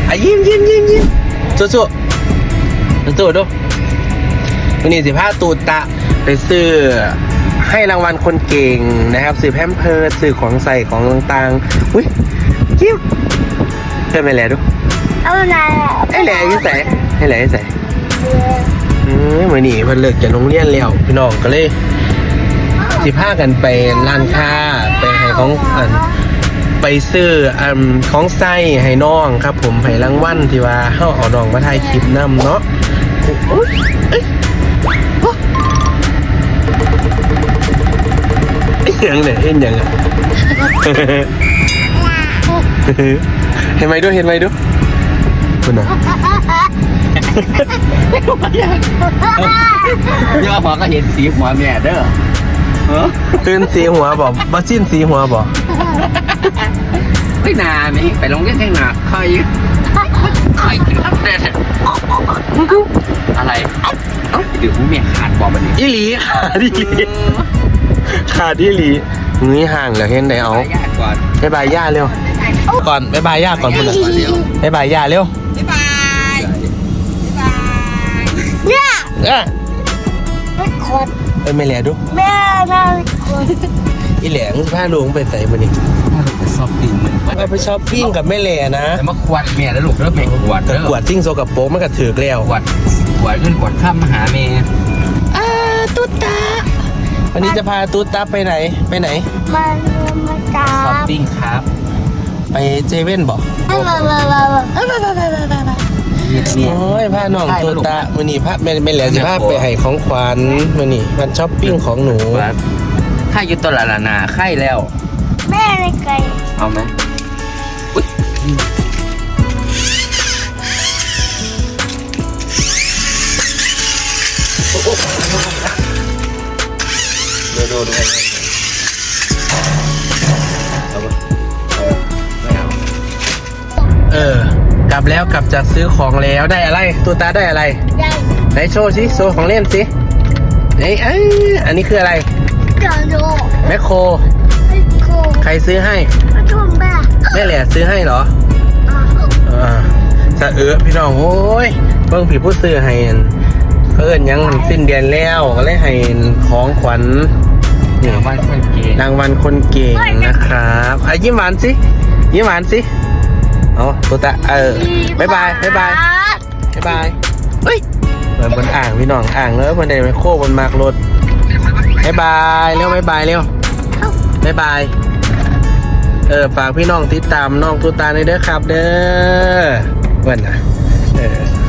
ยิ้มสู้ดูวันนี้15ตูตะไปซื้อให้รางวัลคนเก่งนะครับซื้อแพมเพิร์สซื้อของใส่ของต่างๆอุ้ยยิ้มเพิ่มไปแล้วดูเอาไหนไอ้แหล่ยิ่งใส่ไอ้แหล่ยิ่งใส่วันนี้เพิ่นเลิกจากโรงเรียนแล้วพี่น้องก็เลย15กันไปร้านค้าไปให้ของไปซื้อของใส่ให้น้องครับผมให้รางวัลที่ว่าเฮาเอาน้องมาถ่ายคลิปนำเนาะยังเนี่ยเห็นยังอ่ะเห็นไหมดูคุณน่ะย่อหัวก็เห็นสีหัวแม่เด้อตื่นสีหัวบอกบัสิ้นสีหัวบอกไม่นาไหมไปลงเล่นแข่งหนักใครครับเด็ดอะไรเดี๋ยวผู้แม่ขาดบอกแบบนี้อีหลีขาดอีหลีนี่ห่างเหรอเห็นไหนเอาบ๊ายบายย่าเร็วก่อนบ๊ายบายย่าก่อนคุณบ๊ายบายย่าเร็วบ๊ายบายเนี่ยไม่ขดไม่แหล่ดูแม่ขดอีแหลงผ้าลุงไปใส่มานี่ชอบปิ้งมันไปช้อปปิ้งกับแม่แหล่นะแต่มาขวดแม่แล้วลูกแล้วแม่ขวดขวดทิ้งโซกับโป๊มันก็ถือแล้วขวดขึ้นขวดข้ามมาหาแม่ตุ๊ตาวันนี้จะพาตุ๊ตาไปไหนมาจับช้อปปิ้งครับไปเจเว่นบอกโอ้ยพาน้องตุ๊ตาวันนี้พาไม่แหล่จะพาไปให้ของขวัญวันนี้มันช้อปปิ้งของหนูค่ายยุตัวละนาค่ายแล้วแม่ไม่ไกลเอาไหมดูกลับแล้วกลับจากซื้อของแล้วได้อะไรตัวตาได้อะไรไหนโชว์สิโชว์ของเล่นสิอันนี้คืออะไรแมคโครใครซื้อให้แม่แหล่ซื้อให้เหรอสะพี่น้องโอ้ยเบิ่งผีผู้ซื้อให้เพิ่นยังสิ้นเดือนแล้วก็เลยให้ของขวัญรางวัลคนเก่งนะครับยิ้มหวานสิเอาตัวตาบ๊ายบายเฮ้ยเหมือนบนอ่างพี่น้องอ่างแล้วบนไดไมโครบนมากรถบ๊ายบายเร็วบ๊ายบายฝากพี่น้องติดตามน้องตัวตาในเด้อครับเด้อวันน่ะ